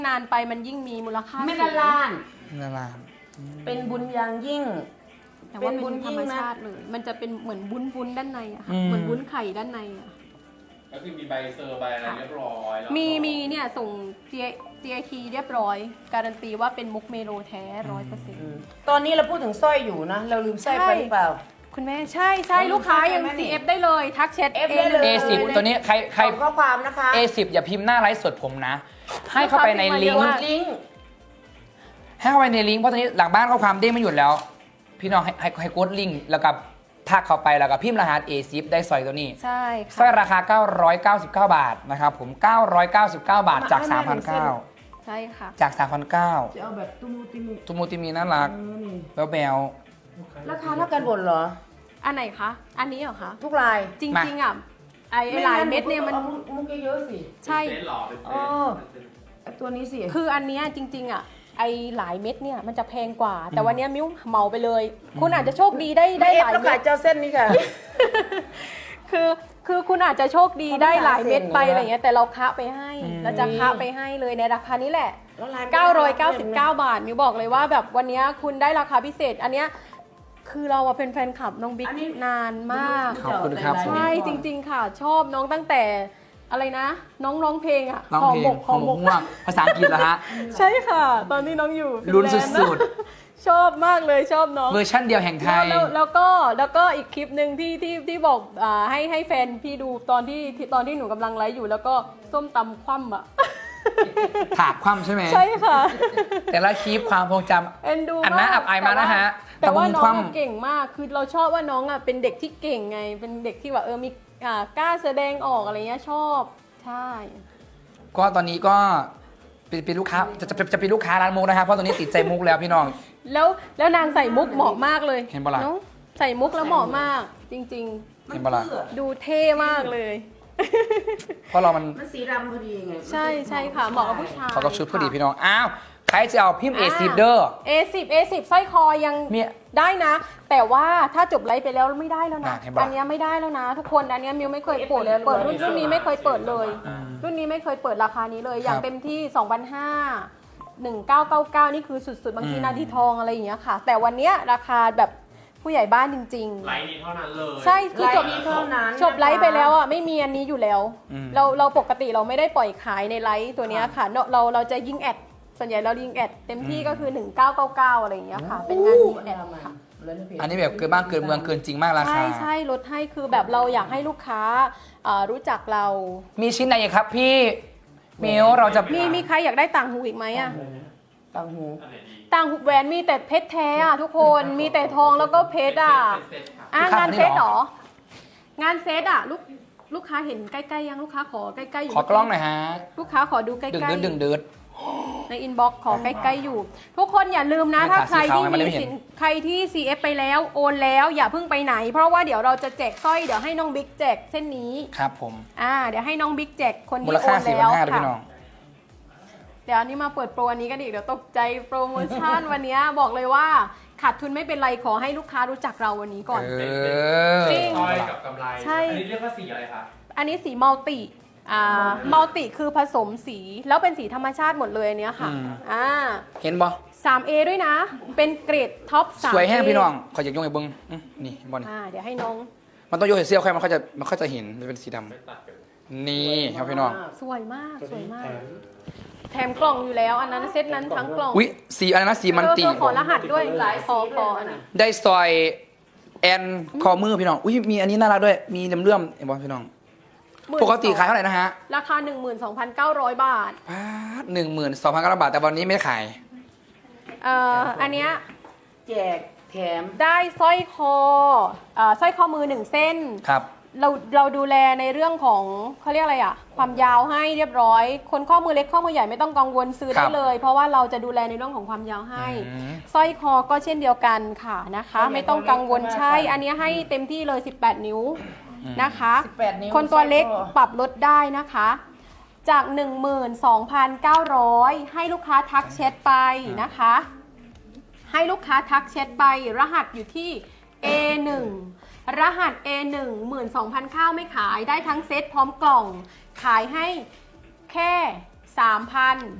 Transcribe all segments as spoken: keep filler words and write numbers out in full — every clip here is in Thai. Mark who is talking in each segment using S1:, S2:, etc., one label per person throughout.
S1: นานไปมันยิ่งมีมูลค่า
S2: ไม่ละลาน
S3: ละลาน
S2: เป็นบุญอย่างยิ่ง
S1: แต่ว่าเป็นธรรมชาติเลย มันจะเป็นเหมือนวุ้นวุ้นด้านในอะค่ะเหมือนวุ้นไข่ด้านในอะ
S4: ก็คือมีใบเซอร์ใบอะไรเรียบร้อยแล้ว
S1: มีมีเนี่ยส่ง จี ไอ ที เรียบร้อย การันตีว่าเป็นมุกเมโลแท้ร้อยเปอร์เซ็นต์
S2: ตอนนี้เราพูดถึงสร้อยอยู่นะ เราลืมสร้อยไปหรือเปล่า
S1: คุณแม่ใช่ใช่ลูกค้ายัง
S2: ใช่ไหม
S1: ซี เอฟ ได้เลยทักแชท
S2: เอฟได้เลย
S3: เอสิบตัวนี้ใครใคร
S2: ขอข้อความนะคะ
S3: เอสิบอย่าพิมพ์หน้าไลฟ์สดผมนะ ให้เข้าไปในลิงก์
S2: ลิงก์
S3: ให้เข้าไปในลิงก์เพราะตอนนี้หลังบ้านข้อความเด้งไม่หยุดแล้ว พี่น้องให้ให้ให้กดลิงก์แล้วก็ทักเข้าไปแล้วก็พิมพ์รหัส เอ สิบ ได้สร้อยตัวนี้
S1: ใช่
S3: สร้อย
S1: ค่ะ
S3: ราคา เก้าร้อยเก้าสิบเก้า บาทนะครับผม เก้าร้อยเก้าสิบเก้า บาทจาก สามพันเก้าร้อย
S1: ใช่ค่ะ
S3: จาก สามพันเก้าร้อย
S2: จะเอาแบบตุ้มูติมู
S3: ตุมูติมีน่ารัก
S2: เออนี่
S3: แบวแบว
S2: ราคาเท่ากันหมดเหรอ
S1: อันไหนคะ อันนี้เหรอคะ
S2: ทุกลาย
S1: จริงๆอ่ะไอ้หลายเม็ดเนี่ยมัน
S2: อามุกเยอะๆสิ
S1: ใช่
S4: เป็นเซตหรอเป็นเซ
S2: เอ
S4: ต
S2: อไอ้ตัวนี้สิ
S1: คืออันเนี้ยจริงๆอ่ะไอ้หลายเม็ดเนี่ยมันจะแพงกว่า แต่วันเนี้ยมิ้วเหมาไปเลย คุณอาจจะโชคดีได้ได้
S2: เอ
S1: ห
S2: ฟ
S1: ลาย
S2: แล้ว
S1: เม็
S2: ขา
S1: ด
S2: ยเจ้าเส้นนี้ค่ะ
S1: คือคือคุณอาจจะโชคดี
S2: เขา
S1: ได้หลายเม็ดไป
S2: ขายเสร็จ
S1: อะไรเงี้ยแต่เราคะไปให้เราจะคะไปให้เลยในราคานี้แหละ เก้าร้อยเก้าสิบเก้า บาทมิวบอกเลยว่าแบบวันเนี้ยคุณได้ราคาพิเศษ อันเนี้ยคือเราอะเป็นแฟนคลับน้องบิ๊ก
S2: อันนี้
S1: นานมาก
S3: ขอบคุณครับ
S1: ใช่จริง ๆ ค่ะ ชอบน้องตั้งแต่อะไรนะ น้องร้องเพลงอะ
S3: ร้องเพลง
S1: ห
S3: ข
S1: อ
S3: อง
S1: หมก
S3: ม่วงภาษาอังกฤษเหรอฮะ
S1: ใช่ค่ะ ตอนที่น้องอยู่
S3: ลุ้น
S1: ฟิแลด์ะ
S3: สุด
S1: ชอบมากเลยชอบน้อง
S3: เวอร์ชั่นเดียวแห่งไท
S1: แล้ว
S3: ย
S1: แล้วแล้วก็แล้วก็อีกคลิปหนึ่งที่ที่ที่บอกอ่าให้ให้แฟนพี่ดูตอนที่ที่ตอนที่หนูกำลังไลฟ์อยู่แล้วก็ส้มตำคว่ำอะ
S3: ถากคว่ำใช่ไหม
S1: ใช่ค่ะ
S3: แต่ละคลิปความทรงจ
S1: เอ็นดู
S3: อันน่าอับอายมากนะฮะ
S1: แต่ว่า
S3: ตะมุ
S1: น้
S3: ค
S1: อง
S3: ว่ำ
S1: อะเก่งมากคือเราชอบว่าน้องอ่ะเป็นเด็กที่เก่งไง เป็นเด็กที่แบบเออมีอ่ากล้าแสดงออกอะไรเงี้ยชอบใช่
S3: ำก็ตอนนี้ก็เป็นเป็นลูกค้าจะจะจะเป็นลูกค้าร้านมุกนะครับเพราะตอนนี้ติดใจมุกแล้วพี่น้อง
S1: แล้วแล้วนางใส่มุกเหมาะมากเลย
S3: เห็นปะล่ะ
S1: องใส่มุกแล้วเหมาะมาก จริง
S3: เห็นปะล่ะ
S1: ๆ ดูเท่มากเลย
S3: เพราะเรามัน
S2: มันสีดำพอดีไง
S1: ใช่ใช่ค่ะเหมาะกับผู้ชาย
S3: เขาก็ชุดพอดี
S1: ค่ะ
S3: พี่น้องอ้าวใครจะเอาพิมพ์เอซิเดอร์
S1: เอสิบ เอสิบสร้อยคอยัง
S3: มี
S1: ได้นะ แต่ว่าถ้าจบไลฟ์ไปแล้วไม่ได้แล้วนะ
S3: อ่ะเห็นปะ
S1: อันเนี้ยไม่ได้แล้วนะ ทุกคนอันเนี้ยมิวไม่เคยเปิดเปิดรุ่นรุ่นนี้ไม่เคยเปิดเลย รุ่นนี้ไม่เคยเปิดราคานี้เลย อย่างเต็มที่ สองพันห้าร้อย หนึ่งพันเก้าร้อยเก้าสิบเก้า นี่คือสุดๆ บางที
S3: อืม
S1: นาทีทองอะไรอย่างเงี้ยค่ะ แต่วันเนี้ยราคาแบบผู้ใหญ่บ้านจริง
S4: ไลน์นี้เท่านั้นเลย
S1: ๆ ใช่คือจบ
S2: ไลฟ์นี้เท่านั้น
S1: จบไลฟ์ไปแล้วอ่ะไม่มีอันนี้อยู่แล้ว
S3: อืม
S1: เราเราปกติเราไม่ได้ปล่อยขายในไลฟ์ตัวเนี้ยค่ะเราเราเราจะยิงแอดส่วนใหญ่เรายิงแอดเต็มที่ก็คือ หนึ่งพันเก้าร้อยเก้าสิบเก้า อะไรอย่างเงี้ยค่ะ เป็นงานยิงแอดค่ะ
S3: อันนี้แบบเกินบ้านเกินเมืองเกินจริงมากรา
S1: ใช่
S3: คา
S1: ใช่ลดให้คือแบบเราอยากให้ลูกค้าเอ่อรู้จักเรา
S3: มีชิ้นไหนอีกครับพี่มิวเราจะ
S1: มีมีใครอยากได้ต่างหูอีกไหมอะ
S2: ต่างหู
S4: อันไหนดี
S1: ต่างหูแหวนมีแต่เพชรแท้อะทุกคนมีแต่ทองแล้วก็เพชรอะ
S4: เป็นเซตค่ะ
S1: อ่ะงานเซตเหรอ งานเซตอะลูกลูกค้าเห็นใกล้ๆยังลูกค้าขอใกล้ๆอยู่
S3: ขอกล้องหน่อยฮะ
S1: ลูกค้าขอดูใกล้
S3: ดึง
S1: ๆ
S3: เดือดดึงเดือด
S1: ในอินบ็อกซ์ขอใกล้ๆอยู่ ทุกคนอย่าลืมนะ
S3: ไม่
S1: ถ้า
S3: ขาด
S1: ใครที่
S3: สีขาวไงมันเลย
S1: มี
S3: ไม่เห็น
S1: สินใครที่ ซี เอฟ ไปแล้วโอนแล้วอย่าเพิ่งไปไหน เพราะว่าเดี๋ยวเราจะแจกสร้อยเดี๋ยวให้น้องบิ๊กแจกเส้นนี้
S3: ครับผม
S1: อ่าเดี๋ยวให้น้องบิ๊กแจกคน
S3: มู
S1: ที่
S3: ล
S1: โอ
S3: ค่าน สี่พั
S1: แล้
S3: น
S1: ว
S3: ห้าด้วย
S1: ค่ะ
S3: พี่น้อง
S1: เดี๋ยวอันนี้มาเปิดโปรอันนี้กันอีกเดี๋ยวตกใจโปรโมชั่น วันนี้บอกเลยว่าขาดทุนไม่เป็นไรขอให้ลูกค้ารู้จักเราวันนี้ก่อน
S3: เอ
S4: เป็น
S3: อ
S1: จริง
S4: สร้อยกับกำไร
S1: ใช่
S4: อันนี้เรียกว่าสีอะไรคะ
S1: อันนี้สีมัลติอ่ามัลติคือผสมสีแล้วเป็นสีธรรมชาติหมดเลยอันเนี้ยค่ะ
S3: อืม
S1: อ่า
S3: เห็นบ่
S1: สามเอด้วยนะ เป็นเกรดท็อปสาม
S3: สวยแห้งพี่น้องขออยากยกไอ้เบิ้งอื้อนี่บอล
S1: อ่าเดี๋ยวให้น้อง
S3: มันต้องยกให้เสื้อค่อยมันค่อยจะมันค่อยจะเห็นมันเป็นสีด
S4: ไม่ตัดกัน
S3: ำนี่ครับพี่น้อง
S1: สวยมากสวยมาก แถมกล่องอยู่แล้ว อันนั้นเซตนั้นทั้งกล่อง
S3: อุ้ยสีอะไรนะสีมันติ
S1: เออขอรหัสด้วยขอขออันนั้น
S3: ได้ซอยแอนคอมือพี่น้องอุ้ยมีอันนี้น่ารักด้วยมีเลื่อมๆเห็นบ่พี่น้องปกติขายเท่าไหร่นะฮะ
S1: ราคา หนึ่งหมื่นสองพันเก้าร้อย บาท
S3: พาหนึ่งหมื่นสองพันเก้าร้อยบาทแต่วันนี้ไม่ได้ขาย
S1: เอ่ออันเนี้ย
S2: แจกแถม
S1: ได้สร้อยคอเอ่อสร้อยคอมือหนึ่งเส้น
S3: ครับ
S1: เราเราดูแลในเรื่องของเขาเรียกอะไรอะความยาวให้เรียบร้อย คนข้อมือเล็กข้อมือใหญ่ไม่ต้องกังวลซื้อ
S3: ครั
S1: ได้
S3: บ
S1: เลย เพราะว่าเราจะดูแลในเรื่องของความยาวให้
S3: อืม
S1: สร้อยคอก็เช่นเดียวกันค่ะนะคะ
S2: ใช่
S1: ไม่ต้องกังวล
S2: ใช่
S1: ใช่ อันนี้ให้เต็มที่เลยสิบแปดนิ้วนะคะ
S2: สิบแปดนิ้ว
S1: คนตัวเล็ก
S2: สร้อยคอ
S1: ปรับลดได้นะคะ จาก หนึ่งหมื่นสองพันเก้าร้อย ให้ลูกค้าทักแชทไปนะคะ ให้ลูกค้าทักแชทไปรหัสอยู่ที่ เอ หนึ่ง รหัส เอ หนึ่ง หมื่นสองพัน ข้าวไม่ขายได้ทั้งเซตพร้อมกล่อง ขายให้แค่ สามพัน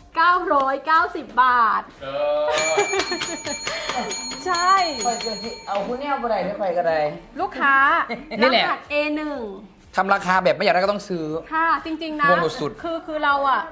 S1: เก้าร้อยเก้าสิบบาท
S4: เออ
S1: ใช่
S2: คอยเกิดสิเอาคุณเนี่ยเอาไปไหนไม่ไปก็ได้
S1: ลูกค้า
S3: นี่
S1: ร
S3: แหละ
S1: หัส เอ หนึ่ง
S3: ทำราคาแบบไม่อยากได้ก็ต้องซื้อ
S1: ค่ะ จริง ๆ นะ
S3: งงสุด
S1: คือคือเราอะ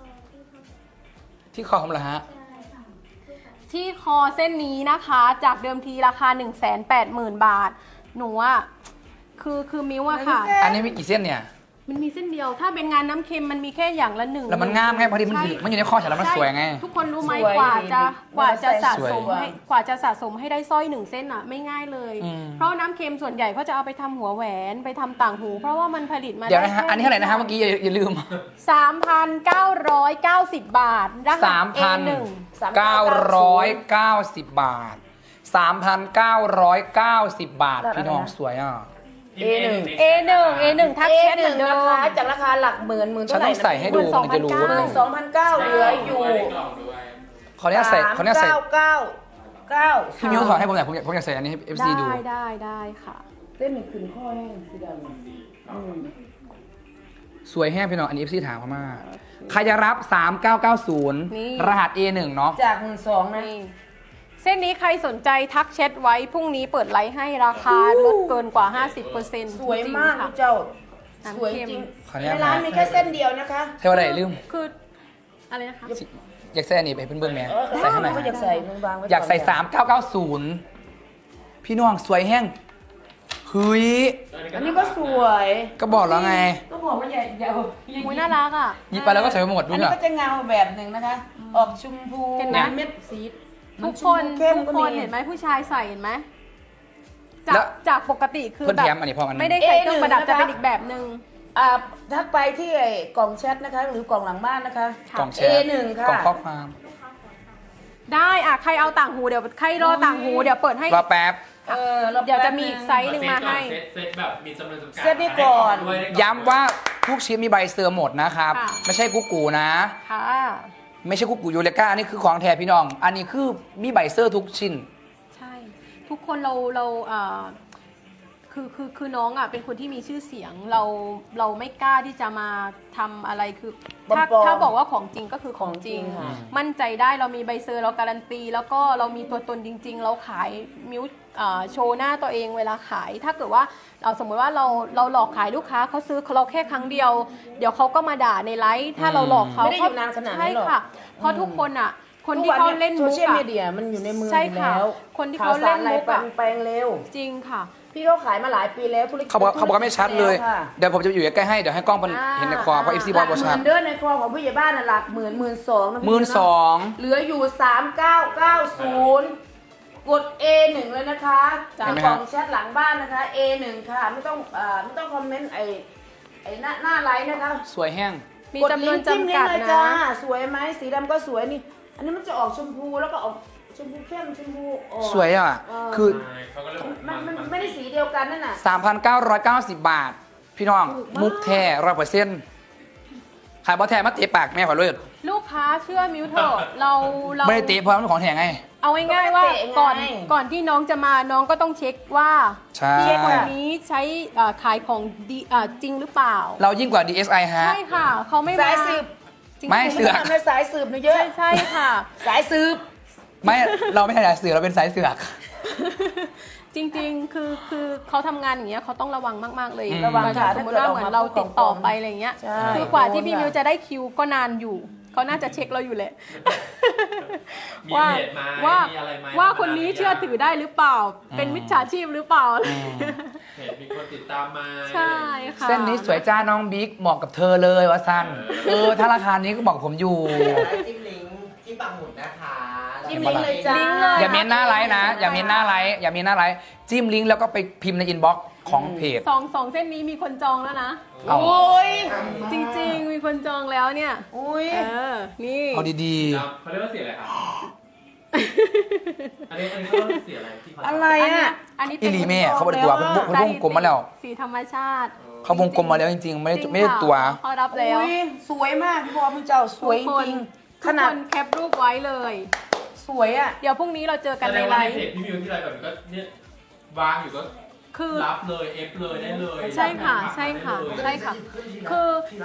S3: ที่คอมเหรอฮะ
S1: ที่คอเส้นนี้นะคะ จากเดิมทีราคา หนึ่งแสนแปดหมื่น บาท หนูอะคือคือมิวอะค่ะ
S3: อันนี้มีกี่เส้นเนี่ย
S1: มันมีเส้นเดียว ถ้าเป็นงานน้ำเค็มมันมีแค่อย่างละหนึ่ง
S3: แล้วมันงามไงพอดีมันอยู่
S1: ใช่
S3: มันอยู่ในข้อฉันแล้วมันสวยไง
S1: ทุกคนรู้ไหม
S2: สวย
S1: กว่าจะ
S2: ดี
S1: กว่าจะสะ
S3: สวย
S1: สมให้กว่าจะสะสมให้ได้สร้อยหนึ่งเส้นอะไม่ง่ายเลย
S3: อืม
S1: เพราะน้ำเค็มส่วนใหญ่เขาจะเอาไปทำหัวแหวนไปทำต่างหู เพราะว่ามันผลิตมา
S3: เดี๋ยวนะฮะ
S1: แค่
S3: อันนี้เท่าไหร่นะฮะเมื่อกี้อย่าอย่าลืม
S1: สามพันเก้าร้อยเก้าสิบบาทรหัส
S3: สามพัน
S1: เอหนึ่ง
S3: เก้าร้อยเก้าสิบบาทสามพันเก้าร้อยเก้าสิบบาท พี่น้องสวยอ่ะ
S2: เอหนึ่ง
S1: เอหนึ่ง เอหนึ่งทัก
S2: เอ
S1: แชท
S2: ห
S1: เหมื
S2: นึ่
S1: อง นเดิ
S2: ราม คาจากราคาหลักหมื่นหมื่น
S3: ฉัน
S2: เท่าไหร่
S3: ต้องใส่ให้ดูมันจะรู้
S1: หมื่น
S2: หนึ่งสองพันเก้าเหลืออยู่
S4: ได้กล่องด้วย
S3: ขออนุญาตใส่ขออนุญาตใส่
S2: เก้าเก้าเก้า
S3: พี่มิวถอดให้ผมหน่อยผมอยากผมอยากใส่อันนี้ให้ เอฟ ซี ดู
S1: ได้ได้ได้ค่ะ
S2: เส้นหนึ่งขึ้นข้อแห้งสีดำอืม
S3: สวยแห้งพี่น้องอันนี้ เอฟ ซี ถามเขามาใครจะรับ สามเก้าเก้าศูนย์
S1: นี่
S3: รหัส เอ หนึ่ง เนาะ
S2: จากหมื่นสองนะ
S1: นี่เส้นนี้ใครสนใจทักแชทไว้พรุ่งนี้เปิดไลฟ์ให้ราคาลดเกินกว่า ห้าสิบเปอร์เซ็นต์
S2: สวยมาก
S1: ค่ะ
S2: เจ้า
S1: น้ำ
S2: สวย
S1: เค็ม
S2: จริง
S3: ขออนุญาต
S2: ในร้านมีแค่เส้นเดียวนะคะ
S3: ใช่ว่าอะไรลืม
S1: คืออะไรนะคะ
S3: อยากใส่อันนี้ไปเพิ่นเบิ่งแหม่
S2: เออ
S3: ใส่ให้หน่อย
S2: ก็อยากใส่มึงบางไว้
S3: อยากใส่
S2: ก่น
S3: สามเก้าเก้าศูนย์พี่น้องสวยแห้งเฮ้ย
S2: อันนี้ก็สวย
S3: ก็บอกแล้วไง
S2: ก็บอกว่าอย่าอย่า
S1: อุ้ยน่ารักอ่ะ
S3: หยิบไปแล้วก็ใส่ไปหมด
S2: อั
S3: ดู
S2: น
S3: ห
S2: นี้
S3: น่อย
S2: ก็จะเงาแบบหนึ่งนะคะ ออกชมพู
S1: เห็นไหม
S2: เม็ดสี
S1: ทุกคน
S2: ชมพูเข้ม
S1: ทุก
S2: ก็
S1: คน
S2: มี
S1: เห็นไหมผู้ชายใส่เห็นไหมจา
S3: แล้
S1: ก
S3: ว
S1: จากปกติคือ
S3: เพิ่น
S1: แบ
S3: แถ
S1: บ
S3: มอันนี้พร้อมกัน
S1: ไม่ได้ใส่เครื่องประดับ
S2: เอหนึ่ง
S1: จะเป็น
S2: นะคะ
S1: อีกแบบหนึ่ง
S2: อ่าทักไปที่ไอ้กล่องแชทนะคะ หรือกล่องหลังบ้านนะคะ
S3: กล่องแช
S2: เอ
S3: ท
S2: หนึ่งค่ะ
S3: กล่องข้อความ
S1: ได้อ่ะใครเอาต่างหูเดี๋ยวใครรอต่างหูเดี๋ยวเปิดให้
S3: รอแป๊บ
S2: เออรา
S1: เดี๋ยวจะมีอีกไซส์ หนึ่งมาให้
S4: เซตเซตแบบมีจำนวนจำกัด
S2: เซตนี้ก่อน
S4: ได้ล่งด้วยได้กล่อง
S3: ย้ำว่าทุกชิ้นมีใบเซอร์หมดนะครับ
S1: ค่ะ
S3: ไม่ใช่กุ๊กกูนะ
S1: ค่ะ
S3: ไม่ใช่กุ๊กกูยูเลก้าอันนี้คือของแท้พี่น้อง อันนี้คือมีใบเซอร์ทุกชิ้น
S1: ใช่ ทุกคนเราเราเอ่อคือคือคือน้องอ่ะเป็นคนที่มีชื่อเสียงเราเราไม่กล้าที่จะมาทำอะไรคือถ้า
S2: ปลอมๆ
S1: ถ้าบอกว่าของจริงก็คือของจริง
S2: ของจริงค่ะ
S1: มั่นใจได้เรามีใบเซอร์เราการันตี แล้วก็เรามีตัวตนจริง ๆ เราขายมิวเอ่อโชว์หน้าตัวเองเวลาขาย ถ้าเกิดว่าเราสมมติว่าเราเราหลอกขายลูกค้าเขาซื้อเราแค่ครั้งเดียว เดี๋ยวเขาก็มาด่าในไลฟ์ถ้าเราหลอกเขา
S2: ไม่ได้อยู่นานขนาดนั้นหรอก
S1: ใช่ค่ะ เพราะทุกคนอ่ะ คน
S2: ทุก
S1: ที่
S2: วั
S1: เขาเล่น
S2: โซ
S1: มุก
S2: เชียล
S1: อะ
S2: มีเดียมันอยู่ในมือ
S1: ใช่
S2: อยู่
S1: ค่ะ
S2: แล้ว
S1: คนที่เขาเล่นมุก
S2: ข่า
S1: อะ
S2: วสารอะไรแปลงเร็ว
S1: จริงค่ะ
S2: พี่เขาขายมาหลายปีแล้วธุรกิจ
S3: เขาบอกเขาบอกว่าไม่ชัดเลย
S2: แล้วค่ะ
S3: เดี๋ยวผมจะอยู่ใกล้ๆให้ เดี๋ยวให้กล้องมัน
S1: อ่า
S3: เห็นในคอเพราะเอฟซีบ
S2: ห
S3: อ
S2: ลั
S3: ล
S2: ก
S3: บอ
S2: ห
S3: ชั
S2: มื่
S3: ด
S2: นเด้อในครัวของผู้ใหญ่บ้านน่ะหลักหมื่นหมื่นสองนะพี่
S3: หมื่นสอง
S2: เหลืออยู่สามเก้าเก้าศูนย์กด เอ หนึ่ง เลยนะคะ
S1: จ้ะ
S2: จากกล่องแชทหลังบ้านนะคะ เอ หนึ่ง ค่ะ ไม่ต้องเอ่อไม่ต้องคอมเมนต์ไอ้ไอ้หน้าหน้าไลน์นะคะ
S3: สวยแห้ง
S1: มี
S2: กด
S1: จำน
S2: ลิ
S1: วน
S2: งก์จิ้ม
S1: จำ
S2: ลิง
S1: กัด
S2: ก์เลย
S1: นะ
S2: จ้าสวยไหมสีดำก็สวยนี่ อันนี้มันจะออกชมพูแล้วก็ออกชมพูเข้มชมพูอ่อน
S3: สวยอ่ะ
S2: เออ
S3: คือ
S4: ใช่เขาก็เลยบอก
S2: มันมันไม่ได้สีเดียวกันนั่นน่ะ
S3: สามพันเก้าร้อยเก้าสิบบาท พี่น้อง
S2: ถูกมาก
S3: มุกแท้ร้อยเปอร์เซ็นต์ขายบอแท้มาเตะปากแม่ขอเลย
S1: ลูกค้าเชื่อมิวเถอะเราเรา
S3: ไม่ได้เตะเพราะมันของแท้ไง
S1: เอาง่ายๆว่า
S2: ก็ไม่เตะไง
S1: ก่อนก่อนที่น้องจะมาน้องก็ต้องเช็คว่า
S3: ใช่
S1: พี่คนนี้ใช้เอ่อขายของดีเอ่อจริงหรือเปล่า
S3: เรายิ่งกว่า ดี เอส ไอ ฮะ
S1: ใช่ค่ะ เขาไม่มา
S2: สายสืบ
S1: จริงๆ
S3: ไม่ เสือก
S2: ทำในสายสืบนะเยอะ
S1: ใช่ใช่ค่ะ
S2: สายสืบ
S3: ไม่เราไม่ใช่สายเสือกเราเป็นสายเสือก
S1: จริงๆ คือคือเขาทำงานอย่างเงี้ยเขาต้องระวังมากๆเลย
S3: อืม
S2: ระวังค่ะ
S1: สมมติว่าเหมือนเราติดต่อไปอะไรเงี้ย
S2: ใช่
S1: คือกว่าที่พี่
S2: โดนค่ะ
S1: มิวจะได้คิวก็นานอยู่เขาน่าจะเช็คเราอยู่แหละ
S4: มี
S1: ว่า
S4: เพจไหม
S1: ว่า
S4: มีอะไรไหม
S1: ว่าคนนี้เชื่อถือได้หรือเปล่า เป็นมิจฉาชีพหรือเปล่า
S3: อืม
S4: เพจมีคนติดตามมา
S1: ใช่ค่ะ
S3: เส้นนี้สวยจ้าน้องบิ๊กเหมาะกับเธอเลยวะสันเออถ้าราคานี้ก็บอกผมอยู่
S5: จิ้มลิงก์จิ้มปังหมุดนะคะ
S2: จิ้มลิงก์เลยจ้า
S1: ลิงก์เลย
S3: อย่าเมนหน้าไลฟ์นะ อย่าเมนหน้าไลฟ์อย่าเมนหน้าไลฟ์จิ้มลิงก์แล้วก็ไปพิมพ์ในอินบ็อกซ์ของเพจ
S1: สองสองเส้นนี้มีคนจองแล้วนะ
S3: เอา
S2: โอ้ย
S1: จริงๆ มีคนจองแล้วเนี่ย
S2: อุ้ย
S1: เออ นี่
S3: เอาดี
S4: ครับเขาเรียกว่าเสียอะไรครับ อันนี้อันนี้เขาเรียกว่าเสียอะไรที่เขา
S2: อะไร
S1: อันเนี้
S2: อ่ะ
S1: ยอันนี้
S3: ๆ
S1: เป็
S3: อี
S1: น
S3: หลีแม่เขาบริตัวเพิ่งเพิ่งวงกลมมาแล้ว
S1: สีธรรมชาติ
S3: เขาวงกลมมาแล้วจริงๆ ไม่ได้
S1: จริง
S3: ไม่ได้
S1: ค่ะ
S3: ตัว
S1: เขารับแล้ว
S2: อุ้ยสวยมากพี่บอลพี่เจ้าสวยจ
S1: ทุกคน
S2: ริง
S1: ทุ
S2: ข
S1: ก
S2: นา
S1: ค
S2: ด
S1: นแคปรูปไว้เลย
S2: สวยอ่ะ
S1: เดี๋ยวพรุ่งนี้เราเจอกัน
S4: แส
S1: ใน
S4: ดง
S1: ไล
S4: ว่าใน
S1: ฟ์
S4: เพจพี่มิวที่ไรแบบนี้ก็เนี่ยวางอยู่ก็
S1: คือ
S4: รับเลยเอฟเลยได้เลย
S1: ใช่ค่ะ ใช่ค่ะ ใช่ค่ะ คือ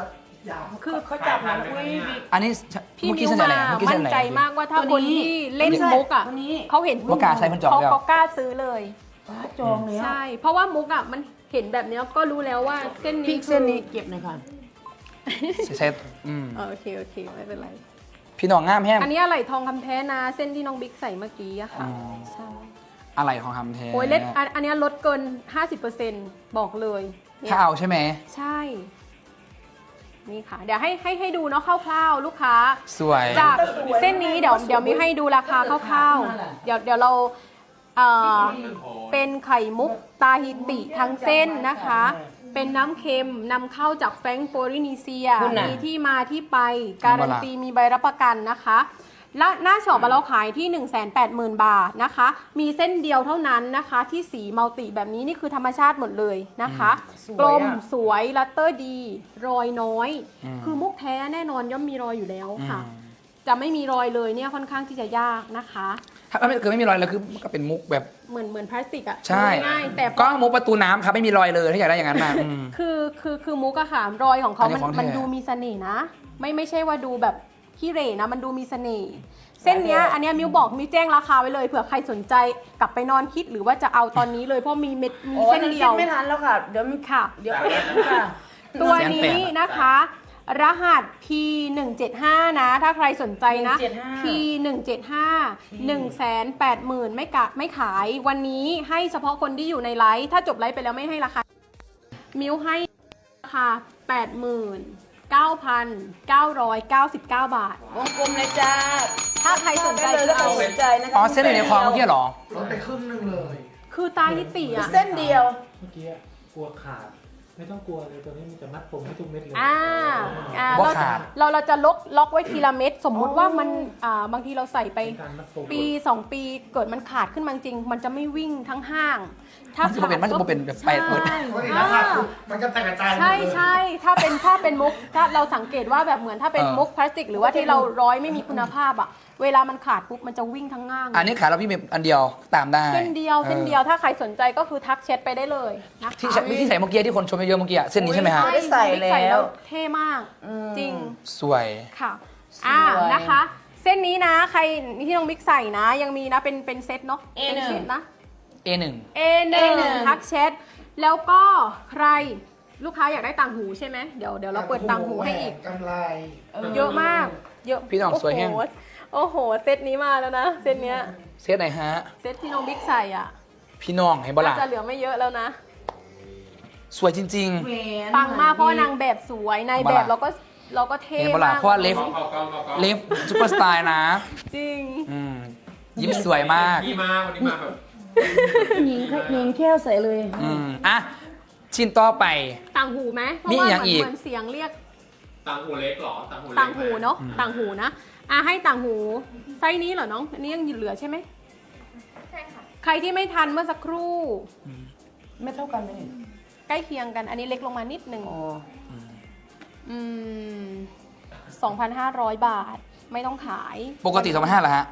S1: คือ
S2: เขาจับมันอุ้ย
S3: อันนี้
S1: พี่
S3: เมื่อ
S1: มิ
S3: กี้
S1: ว
S3: เส้นอะไร
S1: มา
S3: เมื่อกี้
S1: มั่
S3: เส้
S1: น
S3: นอะไร
S1: ใจมากว่าถ้า
S2: ตัว
S1: คน
S2: นี้
S1: ที่เล่น
S2: ไม่ใช่
S1: มุกอ่ะ
S2: ตัวนี้
S1: เขาเห็น
S3: ว่ากล้าใช้คนจอง
S1: เขา
S3: แล้ว
S1: เขากล้าซื้อเลย
S2: ฟ้าจองแล้ว
S1: ใช่ เพราะว่ามุกอ่ะมันเห็นแบบเนี้ยก็รู้แล้วว่าเส้น
S2: พริ
S1: นี้
S2: กเส้นนี้เก็บหน่อยค่ะ
S3: ใช้อืม
S1: เออโอเคโอเคไม่เป็นไร
S3: พี่น้องงามแห้ง
S1: อันนี้อะไรทองคำแท้นะเส้นที่น้องบิ๊กใส่เมื่อกี้อะค่ะ
S3: อ๋อ
S1: ใช่
S3: อะไรของคำแท้
S1: โอ้ยเล็ดอันอันเนี้ยลดเกิน ห้าสิบเปอร์เซ็นต์ บอกเลยเนี่ย
S3: ถ้าเอาใช่ไหม
S1: ใช่ นี่ค่ะ เดี๋ยวให้ให้ให้ดูเนาะคร่าวๆ ลูกค้า
S3: สวย
S1: จากเส้นนี้เดี๋ยวเดี๋ยวมีให้ดูราคาคร่าวๆ เดี๋ยวเดี๋ยวเราเอ่อเป็นไข่มุกตาฮิติทั้งเส้นนะคะ เป็นน้ำเค็มนำเข้าจากแฟรงก์โปลินีเซีย
S2: คุณน่ะ
S1: มีที่มาที่ไป การันตีมีใบรับประกันนะคะ และหน้าช็อปเราขายที่ หนึ่งแสนแปดหมื่น บาทนะคะ มีเส้นเดียวเท่านั้นนะคะ ที่สีมัลติแบบนี้นี่คือธรรมชาติหมดเลยนะคะ กลมสวยลัตเตอร์ดี รอยน้อย
S3: อืม
S1: คือมุกแท้แน่นอนย่อมมีรอยอยู่แล้วค่ะ
S3: อืม
S1: จะไม่มีรอยเลยเนี่ยค่อนข้างที่จะยากนะคะ
S3: ถ้าไม่เกิดไม่มีรอยแล้วคือมันก็เป็นมุกแบบ
S1: เหมือนเหมือนพลาสติกอะ
S3: ใช่
S1: ง่ายๆแต่
S3: ก็มุกประตูน้ำครับไม่มีรอยเลยถ้าอยากได้อย่างนั้นมาอืม
S1: คือคือคือมุกอะค่ะรอยของเขา
S3: อันนี้
S1: มัน
S3: ของแท้
S1: มันดูมีเสน่ห์นะ ไม่ไม่ใช่ว่าดูแบบขี้เหร่นะ มันดูมีเสน่ห์เส้นเนี้ยอันเนี้ยมิวบอกมิวแจ้งราคาไว้เลยเผื่อใครสนใจกลับไปนอนคิดหรือว่าจะเอาตอนนี้เลยเพราะมีเม็ดมี
S2: โอ้
S1: เส้น
S2: นั้น
S1: เดี
S2: คิ
S1: ย
S2: ด
S1: ว
S2: ไม่ทันแล้วค่ะ เดี๋ยวมัน
S1: ค่ะ
S2: เดี๋ยวเขาเอ็ดค่ะ
S1: ตัวนี้นะคะ รหัส พี หนึ่งเจ็ดห้า นะ ถ้าใครสนใจนะ พี หนึ่งเจ็ดห้า หนึ่งแสนแปดหมื่น ไม่กะไม่ขายวันนี้ให้เฉพาะคนที่อยู่ในไลฟ์ถ้าจบไลฟ์ไปแล้วไม่ให้ราคา มิวให้ราคา แปดหมื่นเก้าพันเก้าร้อยเก้าสิบเก้า บาท
S2: วงกลมเลยจ้า
S1: ถ้าใครสนใจ
S2: ได้เลย
S1: เอา
S2: ถ้าสนใจนะคะ
S3: อ๋อเส้นอยู่ในคลองเมื่อกี้เหรอ
S5: ลดไปครึ่งหนึงเลย
S1: คือตาฮิติอ่ะ
S2: เส้นเดียว
S6: เมื่อกี้อะกลัวขาด ไม่ต้องกลัวเลยตัวนี้มันจะมัดผมให้ทุกเม็ดเลย
S1: อ่าอ่า
S3: บ่
S1: เรา
S3: ขาด
S1: เราเราจะล็อกล็อกไว้ทีละเม็ดสมมุติว่ามันอ่าบางทีเราใส่ไป
S6: เป็นการมัดผม
S1: ปีสองปีเกิดมันขาดขึ้นมาจริง มันจะไม่วิ่งทั้งห้าง
S3: มันจะบ่เป็นมันจะบ่เป็นแบบไปเปิด
S1: ใช่
S5: ปกติราคาคือมันก็แตกกระจายหมด
S1: ใช่
S5: เลย
S1: ใช่ถ้าเป็นถ้าเป็นมุกถ้าเราสังเกตว่าแบบเหมือนถ้าเป็น
S3: เออ
S1: มุกพลาสติก หรือว่าที่เราร้อยไม่มีคุณภาพอ่ะเวลามันขาดปุ๊บมันจะวิ่งทั้งห้าง
S3: อันนี้ขายแล้วพี่มีอันเดียวตามได้
S1: เส้นเดียวเส้นเดียวถ้าใครสนใจก็คือทักแชทไปได้เลยนะคะ
S3: ที่ใส่ที่ใส่เมื่อกี้ที่คนชมเยอะๆเมื่อกี้อะเส้นนี้ใช่ไหมฮะ
S2: อุ๊ย ได้ใส่แล้ว
S1: เท่มาก
S2: อืม
S1: จริง
S3: สวย
S1: ค่ะ
S2: สวย
S1: อ่านะคะ เส้นนี้นะใครที่น้องบิ๊กใส่นะ ยังมีนะเป็นเป็นเซตเนาะ
S2: เอ
S1: เป็น
S2: หนึ่ง
S1: เซตนะ
S3: เอ หนึ่ง
S1: เอหนึ่ง
S2: เอหนึ่ง
S1: ทักแชทแล้วก็ใครลูกค้าอยากได้ต่างหูใช่ไหมเดี๋ยวเดี๋ยวเราเปิดต่างหูให้อีก
S5: กำไร
S1: เยอะมาก เยอะ
S3: พี่น้องสวยแห้ง
S1: โอ้โหโอ้โห เซตนี้มาแล้วนะ เซตเนี้ย
S3: เซตไหนฮะ
S1: เซตที่น้องบิ๊กใส่อ่ะ
S3: พี่น้องเห็นบ่ล่ะ
S1: น่าจะเหลือไม่เยอะแล้วนะ
S3: สวยจริง
S2: แหวน
S1: ปังมากเพราะว่านางแบบสวยในแบบเราก็เราก็เท่
S3: เห็นปะล่ะ
S1: มาก
S3: เพราะว่าเล็บ
S4: กล้องกล้องกล้องกล้อง
S3: ๆ เล็บซุปเปอร์สไตล์นะ
S1: จริง
S3: อืมยิ้มสวยมาก
S4: พี่มาวันนี้มาแบบ
S2: หญิงหญิงแค่ใส่เลย
S3: อืมอ่ะชิ้นต่อไป
S1: ต่างหูไหมเพราะ
S3: มี
S1: ว่า
S3: อย่าง
S1: เหมือน
S3: อีก
S1: เหมือนเสียงเรียก
S4: ต่างหูเล็กเหรอต่างหูเล็ก
S1: ต่างหูเนาะ
S3: อืม
S1: ต่างหูนะอ่ะให้ต่างหูไซส์นี้เหรอน้องอันนี้ยังเหลือใช่ไหมใช่ค่ะใครที่ไม่ทันเมื่อสักครู่
S2: ไม่เท่ากันเลย
S1: ใกล้เคียงกัน อันนี้เล็กลงมานิดนึง
S2: อ๋อ
S1: อืมสองพันห้าร้อยบาทไม่ต้องขาย
S3: ปกติสองพันห้าเหรอฮะ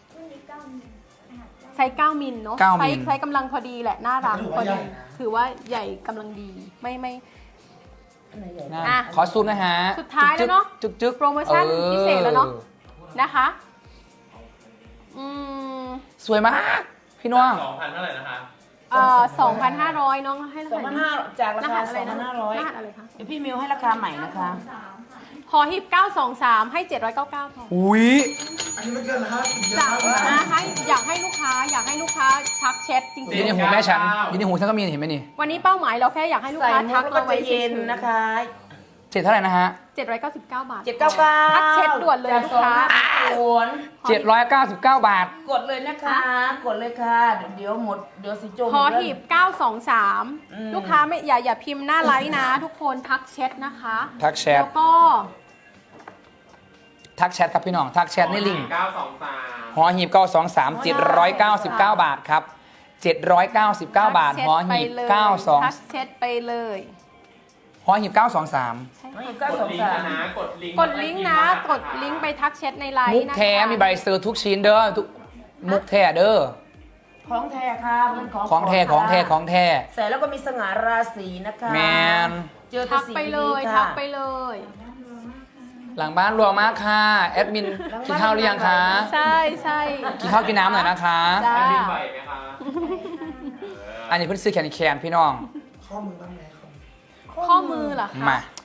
S1: ไซส์เก้ามิลเนาะ
S3: เก้า
S1: ไซ
S3: มิล
S1: ส์ไซส์กำลังพอดีแหละน่ารัก
S5: ถือ
S1: พอ
S5: ว่าใหญ่
S1: ดี
S5: นะ
S1: ถือว่าใหญ่กำลังดีไม่ไม่
S2: อันไหนใหญ่
S3: นะ
S1: อ่ะ
S3: ขอซูมนะฮะ
S1: สุดท้ายแล้วเนอะ
S3: จึ๊กจึ๊ก
S1: โปรโมชั่น
S3: ออ
S1: พิเศษแล้วเนอะ นะคะอืม
S3: สวยมาก พี่น้อง
S4: สองพันเท่าไหร่นะคะ
S1: เอ่อสองพันห้าร้อยน้องให้
S2: สองพันห้าจากราคา
S1: อะ
S2: ส
S1: ไร
S2: องพั
S1: นะ
S2: นห้าร้อย
S1: รหัสอะไรคะ
S2: เดี๋ยวพี่มิวให้ราคาใหม่นะคะ
S1: พอฮิปเก้าสองสามให้เจ็ดร้อยเก้าสิบเก้าพอ
S3: อุ้ย
S5: อันนี้มันเกินห้าสิบเยอะ
S1: จาก
S5: มากเลย
S1: นะ
S5: นะ
S1: ให้อยากให้ลูกค้าอยากให้ลูกค้าทักแชทจริง
S3: อยู่ในหูแม่ฉันอยู่ในหูฉันก็มีเห็นไหมนี่
S1: ๆวันนี้เป้าหมายเราแค่อยากให้ลูก
S2: ใส่
S1: ค้า
S2: มุ
S1: ทั
S2: ก
S1: ก
S2: แล้วก็
S1: เราไว้
S2: จะเย็นนะคะ
S3: เจ็ดเท่าไหร่นะฮะ
S1: เจ็ดร้อยเก้าสิบเก้าบาท
S2: เจ็ดเก้าเก้า
S1: ทักเช็ดด่วนเลยลูกค้า
S2: โอน
S3: เจ็ดร้อยเก้าสิบเก้าบาท
S2: กดเลยนะคะ กดเลยค่ะ เดี๋ยวหมด เดี๋ยวสิโจม
S1: พอหีบเก้าสองสาม
S2: อืม
S1: ลูกค้าไม่อย่าอย่าพิมพ์หน้าไลน์นะ ทุกคนทักแชทนะคะ
S3: ทักแชท
S1: แล้วก็
S3: ทักแชทครับพี่น้อง ทักแชทในลิงก์
S4: เก้าสองสาม
S3: หอหีบเก้าสองสามเจ็ดร้อยเก้าสิบเก้าบาทครับเจ็ดร้อยเก้าสิบเก้าบาท
S1: ทักแชท
S3: หอหีบ
S1: ไปเลย
S3: เก้าสอง
S1: ทักแชทไปเลย
S3: หอหีบเก้าสองสาม
S1: ใช่
S2: ไม่
S1: ค่ะ
S2: เก้าก
S4: ด
S2: สอง
S4: ลิง
S2: สา
S4: ก์
S2: ม
S4: นะกดลิงก์
S1: กดลิงก์นะ กดลิงก์ไปทักแชทในไลน์
S3: มุก
S1: นะคะ
S3: แท้มีใบเซอร์ทุกชิ้นเด้อทุกมุกแท้เด้อ
S2: ของแท้ค่ะมันของ
S3: ของแท้ของแท้ของแท้
S2: ใส่แล้วก็มีสง่าราศีนะคะ
S3: แมน
S2: เจอแต่
S1: ทัก
S2: สิ่ง
S1: ไปเลย
S2: ดีๆ
S1: ทั
S2: ค่ะ
S1: กไปเลย
S2: ส
S3: หลังบ้านรวมมากค่ะแอดมินกินข้าวหรือยังคะ
S1: ใช่ใช่
S3: กินข้าวกินน้ำหน่อยนะคะ
S1: จ้า
S4: แอดมินไหวไหมคะ
S3: อันนี้เพิ่งซื้อแขนแขนพี่น้อง
S5: ข้อมือบ้างไหมครับ
S1: ข้อมือเหรอคะ
S3: มา